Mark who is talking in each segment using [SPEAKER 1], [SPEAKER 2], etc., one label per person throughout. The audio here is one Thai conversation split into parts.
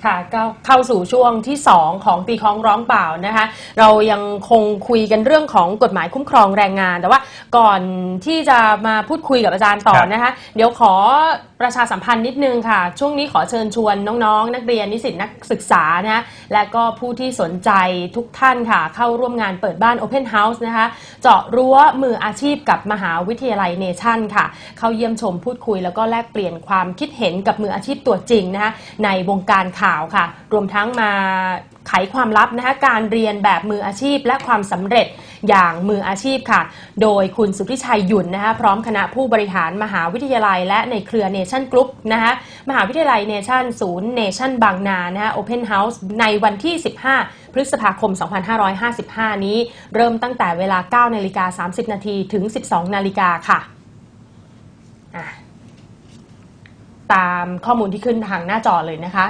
[SPEAKER 1] ค่ะก็เข้าสู่ช่วงที่2ของตีคล้องร้องเปล่านะคะเรายังคงคุยกันเรื่องของกฎหมายคุ้มครองแรงงานแต่ว่าก่อนที่จะมาพูดคุยกับอาจารย์ต่อนะคะเดี๋ยวขอประชาสัมพันธ์นิดนึงค่ะช่วงนี้ขอเชิญชวนน้องๆนักเรียนนิสิตนักศึกษานะและก็ผู้ที่สนใจทุกท่านค่ะเข้าร่วมงานเปิดบ้าน Open House นะคะเจาะรั้วมืออาชีพกับมหาวิทยาลัยเนชั่นค่ะเข้าเยี่ยมชมพูดคุยแล้วก็แลกเปลี่ยนความคิดเห็นกับมืออาชีพตัวจริงนะคะในวงการข่าวค่ะรวมทั้งมาไขความลับนะคะการเรียนแบบมืออาชีพและความสำเร็จอย่างมืออาชีพค่ะโดยคุณสุทธิชัยหยุ่นนะคะพร้อมคณะผู้บริหารมหาวิทยาลัยและในเครือเนชั่นกรุ๊ปนะคะมหาวิทยาลัยเนชั่นศูนย์เนชั่นบางนานะคะโอเพนเฮาส์ในวันที่15พฤษภาคม2555นี้เริ่มตั้งแต่เวลา 9:30 น.ถึง 12:00 น.ค่ะตามข้อมูลที่ขึ้นทางหน้าจอเลยนะคะ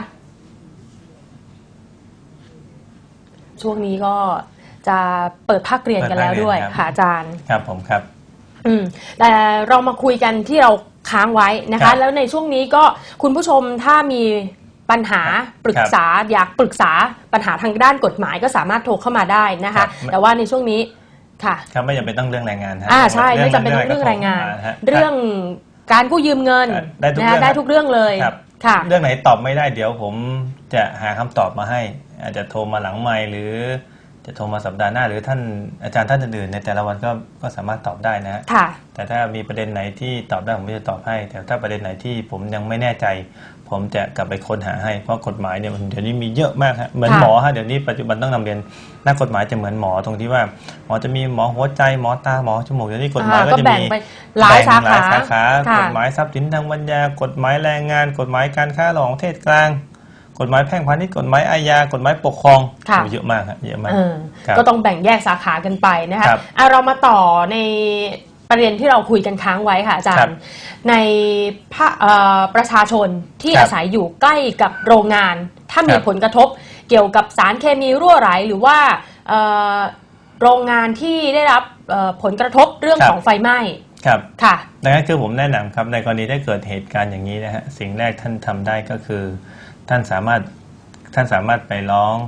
[SPEAKER 1] ช่วงนี้ก็จะเปิดภาคเรียนกันแล้วด้วยค่ะอาจารย์
[SPEAKER 2] ครับผมครับ
[SPEAKER 1] แต่เรามาคุยกันที่เราค้างไว้นะคะแล้วในช่วงนี้ก็คุณผู้ชมถ้ามีปัญหาปรึกษาอยากปรึกษาปัญหาทางด้านกฎหมายก็สามารถโทรเข้ามาได้นะคะแต่ว่าในช่วงนี้ค่ะ
[SPEAKER 2] ครับไม่จำเป็นต้องเรื่องแรงงาน
[SPEAKER 1] ใช่ไม่จำเป็นต้องเรื่องแรงงานเรื่องการกู้ยืมเงินได้ทุกเรื่องเลย
[SPEAKER 2] ค่ะเรื่องไหนตอบไม่ได้เดี๋ยวผมจะหาคำตอบมาให้อาจจะโทรมาหลังไมค์หรือจะโทรมาสัปดาห์หน้าหรือท่านอาจารย์ท่านอื่นๆในแต่ละวันก็สามารถตอบได้นะแต่ถ้ามีประเด็นไหนที่ตอบได้ผมจะตอบให้แต่ถ้าประเด็นไหนที่ผมยังไม่แน่ใจผมจะกลับไปค้นหาให้เพราะกฎหมายเนี่ยเดี๋ยวนี้มีเยอะมากฮะเหมือนหมอฮะเดี๋ยวนี้ปัจจุบันต้องนำเรียนนักกฎหมายจะเหมือนหมอตรงที่ว่าหมอจะมีหมอหัวใจหมอตาหมอจมูกเดี๋ยวนี้กฎหมายก็จะมี
[SPEAKER 1] หลายสาข
[SPEAKER 2] ากฎหมายทรัพย์สินทางปัญญากฎหมายแรงงานกฎหมายการค้าระหว่างประเทศกลางกฎหมายแพ่งพาณิชย์กฎหมายอาญากฎหมายปกครองเยอะมากครับเยอะมาก
[SPEAKER 1] ก็ต้องแบ่งแยกสาขากันไปนะคะเรามาต่อในประเด็นที่เราคุยกันค้างไว้ค่ะอาจารย์ในประชาชนที่อาศัยอยู่ใกล้กับโรงงานถ้ามีผลกระทบเกี่ยวกับสารเคมีรั่วไหลหรือว่าโรงงานที่ได้รับผลกระทบเรื่องของไฟไหม้
[SPEAKER 2] ครับค่ะดังนั้นคือผมแนะนำครับในกรณีถ้าเกิดเหตุการณ์อย่างนี้นะฮะสิ่งแรกท่านทำได้ก็คือท่านสามารถไปร้อง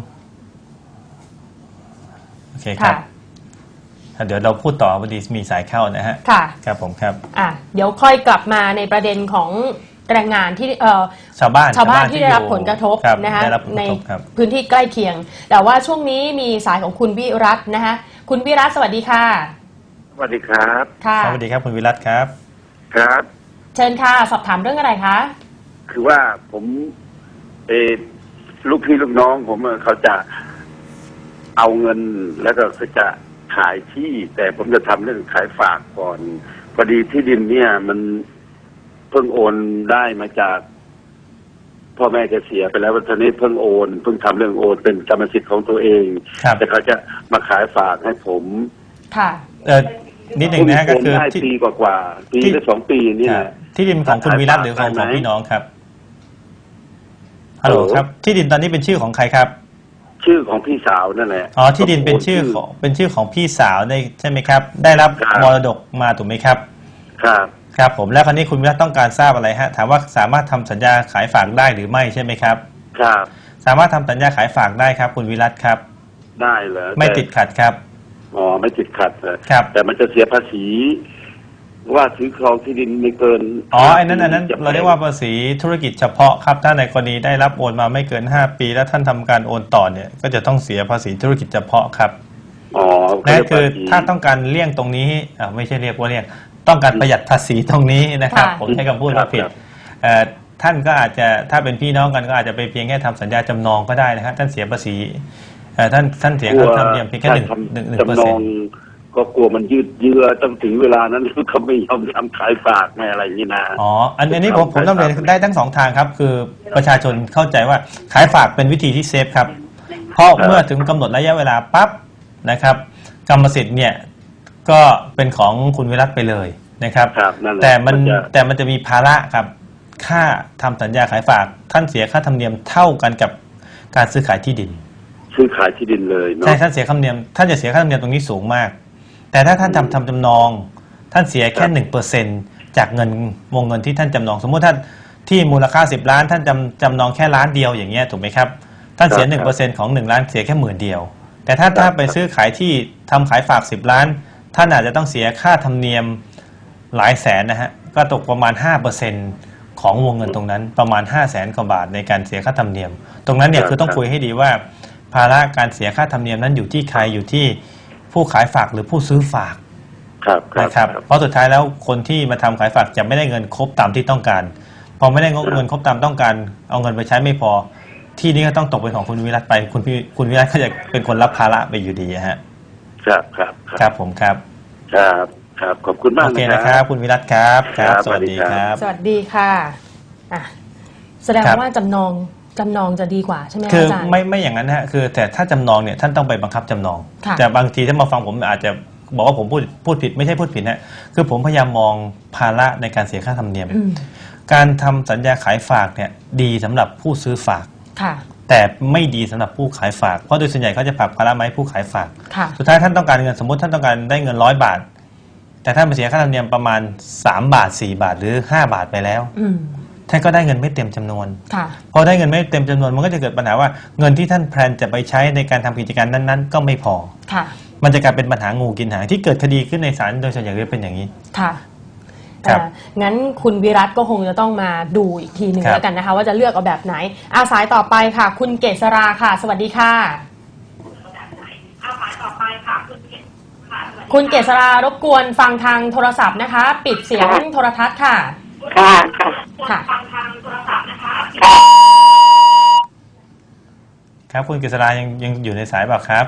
[SPEAKER 2] โอเคครับเดี๋ยวเราพูดต่อพอดีมีสายเข้านะฮะ
[SPEAKER 1] ค่ะ
[SPEAKER 2] ครับผมครับ
[SPEAKER 1] เดี๋ยวค่อยกลับมาในประเด็นของแรงงานที่
[SPEAKER 2] ชาวบ้าน
[SPEAKER 1] ที่ได้รับผลกระทบนะคะในพื้นที่ใกล้เคียงแต่ว่าช่วงนี้มีสายของคุณวิรัตน์นะคะคุณวิรัตน์สวัสดีค่ะ
[SPEAKER 3] สวัสดีครับ
[SPEAKER 1] ค่ะ
[SPEAKER 2] สวัสดีครับคุณวิรัตน์ครับ
[SPEAKER 3] ครับ
[SPEAKER 1] เชิญค่ะสอบถามเรื่องอะไรคะ
[SPEAKER 3] คือว่าผมลูกพี่ลูกน้องผมเขาจะเอาเงินแล้วก็เขาจะขายที่แต่ผมจะทำเรื่องขายฝากก่อนพอดีที่ดินเนี่ยมันเพิ่งโอนได้มาจากพ่อแม่จะเสียไปแล้ววันนี้เพิ่งทำเรื่องโอนเป็นกรรมสิทธิ์ของตัวเองแต่เขาจะมาขายฝากให้ผม
[SPEAKER 1] ค่ะ
[SPEAKER 2] นิดหนึ่งนะก็คือ
[SPEAKER 3] ปีกว่าปีหรือ2 ปีนี่นะ
[SPEAKER 2] ที่ดินของคุณวิรัตหรือของพี่น้องครับฮัลโหลครับที่ดินตอนนี้เป็นชื่อของใครครับ
[SPEAKER 3] ชื่อของพี่สาวนั่นแหละ
[SPEAKER 2] ที่ดินเป็นชื่อของพี่สาวได้ใช่ไหมครับได้รับมรดกมาถูกไหมครับครับผมแล้วคราวนี้คุณวิรัตต้องการทราบอะไรฮะถามว่าสามารถทำสัญญาขายฝากได้หรือไม่ใช่ไหมครับ
[SPEAKER 3] ครับ
[SPEAKER 2] สามารถทำสัญญาขายฝากได้ครับคุณวิรัตครับ
[SPEAKER 3] ได้เหรอ
[SPEAKER 2] ไม่ติดขัดครับ
[SPEAKER 3] ไม่ติดขัด
[SPEAKER 2] ครับ
[SPEAKER 3] แต่มันจะเสียภาษีว่าถือครองที่ดินไม่เกิน
[SPEAKER 2] อันนั้นเราเรียกว่าภาษีธุรกิจเฉพาะครับถ้าในกรณีได้รับโอนมาไม่เกิน5 ปีแล้วท่านทำการโอนต่อเนี่ยก็จะต้องเสียภาษีธุรกิจเฉพาะครับนั่นคือถ้าต้องการเลี่ยงตรงนี้ไม่ใช่เรียกว่าเลี่ยงต้องการประหยัดภาษีตรงนี้นะครับผมใช้คำพูดว่าผิดท่านก็อาจจะถ้าเป็นพี่น้องกันก็อาจจะไปเพียงแค่ทำสัญญาจำนองก็ได้นะครับท่านเสียภาษีท่านเสียค่าธรรมเนียมเพียงแค่1%
[SPEAKER 3] ก็กลัวมันยืดเยื้อต้องถึงเวลานั้นเขาไม่ยอมทำขายฝากอะไรอย่างนี้นะ
[SPEAKER 2] อันนี้ผมต้องเรียนได้ทั้ง2 ทางครับคือประชาชนเข้าใจว่าขายฝากเป็นวิธีที่เซฟครับเพราะเมื่อถึงกำหนดระยะเวลาปั๊บนะครับกรรมสิทธิ์เนี่ยก็เป็นของคุณวิรัตไปเลยนะครับแต่มันจะมีภาระครับค่าทำสัญญาขายฝากท่านเสียค่าธรรมเนียมเท่ากันกับการซื้อขายที่ดิน
[SPEAKER 3] เลย
[SPEAKER 2] ใช่ท่านเสียค่าธรรมเนียมท่านจะเสียค่าธรรมเนียมตรงนี้สูงมากแต่ถ้าท่านทำจำนองท่านเสียแค่1%จากวงเงินที่ท่านจำนองสมมติที่มูลค่า10 ล้านท่านจำนองแค่ล้านเดียวอย่างเงี้ยถูกไหมครับท่านเสีย 1% ของ1 ล้านเสียแค่10,000เดียวแต่ถ้าไปซื้อขายที่ทำขายฝาก10 ล้านท่านอาจจะต้องเสียค่าธรรมเนียมหลายแสนนะฮะก็ตกประมาณ 5% ของวงเงินตรงนั้นประมาณ 500,000 กว่าบาทในการเสียค่าธรรมเนียมตรงนั้นเนี่ยคือต้องคุยให้ดีว่าภาระการเสียค่าธรรมเนียมนั้นอยู่ที่ใครอยู่ที่ผู้ขายฝากหรือผู้ซื้อฝากนะครับเพราะสุดท้ายแล้วคนที่มาทำขายฝากจะไม่ได้เงินครบตามที่ต้องการพอไม่ได้เงินครบตามต้องการเอาเงินไปใช้ไม่พอที่นี้ก็ต้องตกเป็นของคุณวิรัตไปคุณวิรัตก็จะเป็นคนรับภาระไปอยู่ดีฮะครับผมครับ
[SPEAKER 3] ขอบคุณมาก
[SPEAKER 2] โอเคนะครับคุณวิรัตครับสวัสดีครับ
[SPEAKER 1] สวัสดีค่ะแสดงว่าจำนองจะดีกว่าใช่ไหมอาจารย์
[SPEAKER 2] คือไม่อย่างนั้นฮะคือแต่ถ้าจำนองเนี่ยท่านต้องไปบังคับจำนองแต่บางทีถ้ามาฟังผมอาจจะบอกว่าผมพูดผิดไม่ใช่พูดผิดนะคือผมพยายามมองภาระในการเสียค่าธรรมเนียมการทำสัญญาขายฝากเนี่ยดีสำหรับผู้ซื้อฝากแต่ไม่ดีสำหรับผู้ขายฝากเพราะโดยส่วนใหญ่เขาจะฝากภาระมาให้ผู้ขายฝากสุดท้ายท่านต้องการเงินสมมติท่านต้องการได้เงิน100 บาทแต่ท่านมาเสียค่าธรรมเนียมประมาณ3 บาท4 บาทหรือ5 บาทไปแล้วท่านก็ได้เงินไม่เต็มจำนวนพอได้เงินไม่เต็มจำนวนมันก็จะเกิดปัญหาว่าเงินที่ท่านแพลนจะไปใช้ในการทำกิจการนั้นๆก็ไม่พอมันจะกลายเป็นปัญหางูกินหางที่เกิดคดีขึ้นในศาลโดยส่วนใหญ่จะเป็นอย่างนี้
[SPEAKER 1] ค่ะงั้นคุณวิรัตก็คงจะต้องมาดูอีกทีหนึ่งแล้วกันนะคะว่าจะเลือกเอาแบบไหนสายต่อไปค่ะคุณเกษราค่ะสวัสดีค่ะคุณเกษรารบกวนฟังทางโทรศัพท์นะคะปิดเสียงโทรทัศน์ค่ะค่ะ
[SPEAKER 2] ครับคุณเกษรายังอยู่ในสายเปล่าครับ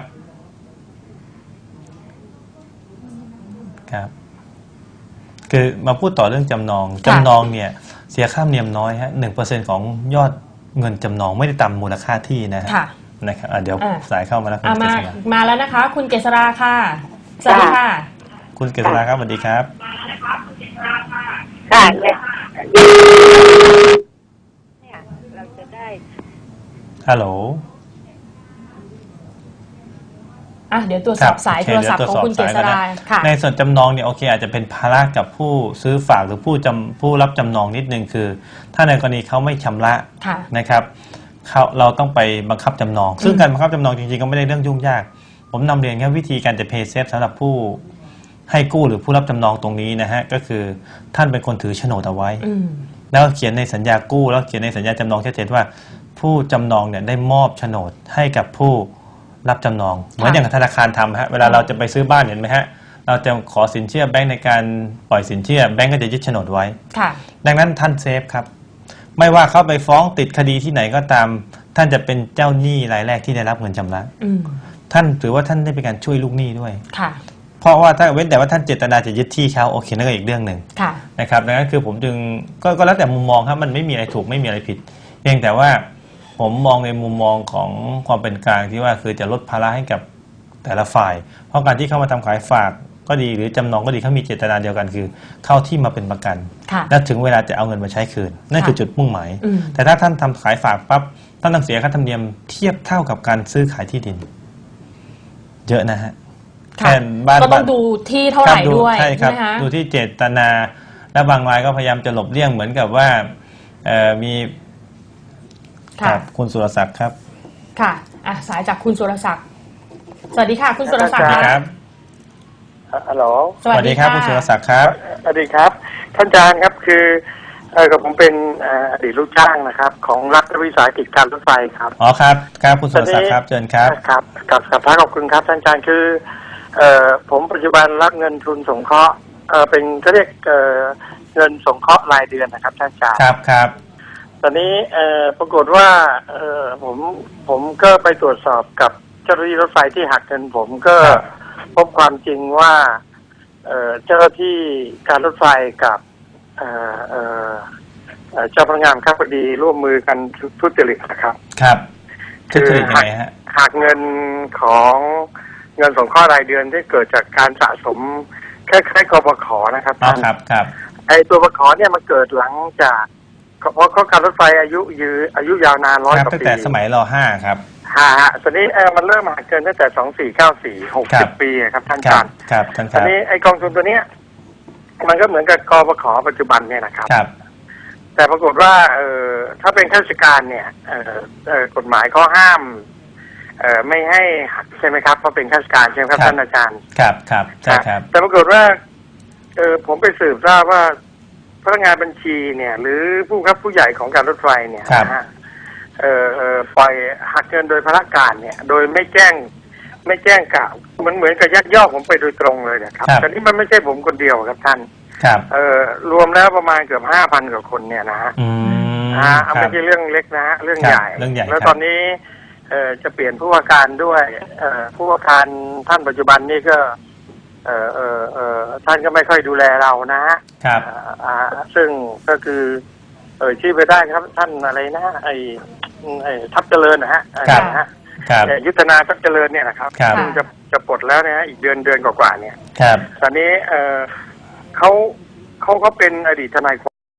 [SPEAKER 2] ครับคือมาพูดต่อเรื่องจำนองเนี่ยเสียค่าธรรมเนียมน้อยฮะ 1% ของยอดเงินจำนองไม่ได้ตามมูลค่าที่นะฮะนะครับเดี๋ยวสายเข้ามาแล้วคุณเกษรา
[SPEAKER 1] มาแล้วนะคะคุณเกษราค่ะสวัสดีค่ะ
[SPEAKER 2] คุณเกษราครับสวัสดีครับ
[SPEAKER 4] ค่ะเนี่ยเราจะได้
[SPEAKER 2] ฮัลโหล
[SPEAKER 1] เดี๋ยวตรวจสอบสายโทรศัพท์ของคุณเกษราค่ะ
[SPEAKER 2] ในส่วนจำนองเนี่ยโอเคอาจจะเป็นภาระกับผู้ซื้อฝากหรือผู้รับจำนองนิดนึงคือถ้าในกรณีเขาไม่ชำระนะครับเราต้องไปบังคับจำนองซึ่งการบังคับจำนองจริงๆก็ไม่ได้เรื่องยุ่งยากผมนำเรียนแค่วิธีการจะเพย์เซฟสำหรับผู้ให้กู้หรือผู้รับจำนองตรงนี้นะฮะก็คือท่านเป็นคนถือโฉนดเอาไว้แล้วเขียนในสัญญากู้แล้วเขียนในสัญญาจำนองชัดเจนว่าผู้จำนองเนี่ยได้มอบโฉนดให้กับผู้รับจำนองเหมือนอย่างธนาคารทำฮะเวลาเราจะไปซื้อบ้านเห็นไหมฮะเราจะขอสินเชื่อแบงก์ในการปล่อยสินเชื่อแบงก์ก็จะยึดโฉนดไว้ดังนั้นท่านเซฟครับไม่ว่าเขาไปฟ้องติดคดีที่ไหนก็ตามท่านจะเป็นเจ้าหนี้รายแรกที่ได้รับเงินชำระท่านถือว่าท่านได้เป็นการช่วยลูกหนี้ด้วยเพราะว่าถ้าเว้นแต่ว่าท่านเจตนาจะยึดที่เขาโอเคนั่นก็อีกเรื่องหนึ่งนะครับดังนั้นคือผมจึงก็แล้วแต่มุมมองครับมันไม่มีอะไรถูกไม่มีอะไรผิดเพียงแต่ว่าผมมองในมุมมองของความเป็นกลางที่ว่าคือจะลดภาระให้กับแต่ละฝ่ายเพราะการที่เข้ามาทำขายฝากก็ดีหรือจำนองก็ดีเขามีเจตนาเดียวกันคือเข้าที่มาเป็นประกันและถึงเวลาจะเอาเงินมาใช้คืนนั่นคือจุดมุ่งหมายแต่ถ้าท่านทำขายฝากปั๊บท่านต้องเสียค่าธรรมเนียมเทียบเท่ากับการซื้อขายที่ดินเยอะนะฮะ
[SPEAKER 1] แค่บ้านก็ต้องดูที่เท่าไหร่ด้วย
[SPEAKER 2] ใช่ครับดูที่เจตนาและบางรายก็พยายามจะหลบเลี่ยงเหมือนกับว่ามีครับคุณสุรศักดิ์ครับ
[SPEAKER 1] ค่ะสายจากคุณสุรศักดิ์สวัสดีค่ะคุณสุรศักดิ์
[SPEAKER 2] ครับ
[SPEAKER 4] ฮัลโหล
[SPEAKER 2] สวัสดีครับคุณสุรศักดิ์ครับ
[SPEAKER 4] สวัสดีครับท่านอาจารย์ครับคือกับผมเป็นอดีตลูกจ้างนะครับของรัฐวิสาหกิจการรถไฟครับ
[SPEAKER 2] อ๋อครับครับคุณสุรศักดิ์ครับเชิญครับ
[SPEAKER 4] ครับกับพระขอบคุณครับท่านอาจารย์คือผมปัจจุบันรับเงินทุนสงเคราะห์เป็นก็เรียกเงินสงเคราะห์รายเดือนนะครับท่านอาจารย์
[SPEAKER 2] ครับ
[SPEAKER 4] ตอนนี้ปรากฏว่าผมก็ไปตรวจสอบกับเจ้าหน้าที่รถไฟที่หักเงินผมก็พบความจริงว่าเจ้าหน้าที่การรถไฟกับเจ้าพนักงานข้าพดีร่วมมือกันทุจริตนะครับ
[SPEAKER 2] คือ
[SPEAKER 4] หักเงินของเงินสงเคราะห์รายเดือนที่เกิดจากการสะสมคล้ายๆกบข.นะครับ
[SPEAKER 2] ครับ
[SPEAKER 4] ไอตัวกบข.เนี่ยมันเกิดหลังจากเพราะการรถไฟอายุยาวนาน100 กว่าปี
[SPEAKER 2] ตั้งแต่สมัยร.5 ครับ
[SPEAKER 4] ตอนนี้มันเริ่มหักเกินตั้งแต่2494 60 ปีครับท่านอาจารย์ตอนนี้ไอกองทุนตัวเนี้ยมันก็เหมือนกับกบข.ปัจจุบันเนี่ยนะครับแต่ปรากฏว่าถ้าเป็นข้าราชการเนี่ยกฎหมายเขาห้ามไม่ให้หักใช่ไหมครับเพราะเป็นข้าราชการใช่ไหมครับท่านอาจารย์
[SPEAKER 2] ครับใช่ครับ
[SPEAKER 4] แต่ปรากฏว่าผมไปสืบทราบว่าพนักงานบัญชีเนี่ยหรือผู้ครับผู้ใหญ่ของการรถไฟเนี่ยนะฮะปล่อยหักเงินโดยพละการเนี่ยโดยไม่แจ้งกล่าวเหมือนกับยักยอกผมไปโดยตรงเลยนะครับแต่นี่มันไม่ใช่ผมคนเดียวครับท่านรวมแล้วประมาณเกือบ 5,000 กว่าคนเนี่ยนะฮะไม่ใช่เรื่องเล็กนะฮะเรื่องใหญ่แล้วตอนนี้จะเปลี่ยนผู้ว่าการด้วยผู้ว่าการท่านปัจจุบันนี่ก็ท่านก็ไม่ค่อยดูแลเรานะฮะซึ่งก็คือชื่อไปได้ครับท่านอะไรนะไอ้ทัพเจริญนะฮะยุทธนาทัพเจริญเนี่ยนะครับซึ่งจะปลดแล้วนะฮะอีกเดือนกว่าๆเนี่ยตอนนี้เขาเป็นอดีตทนาย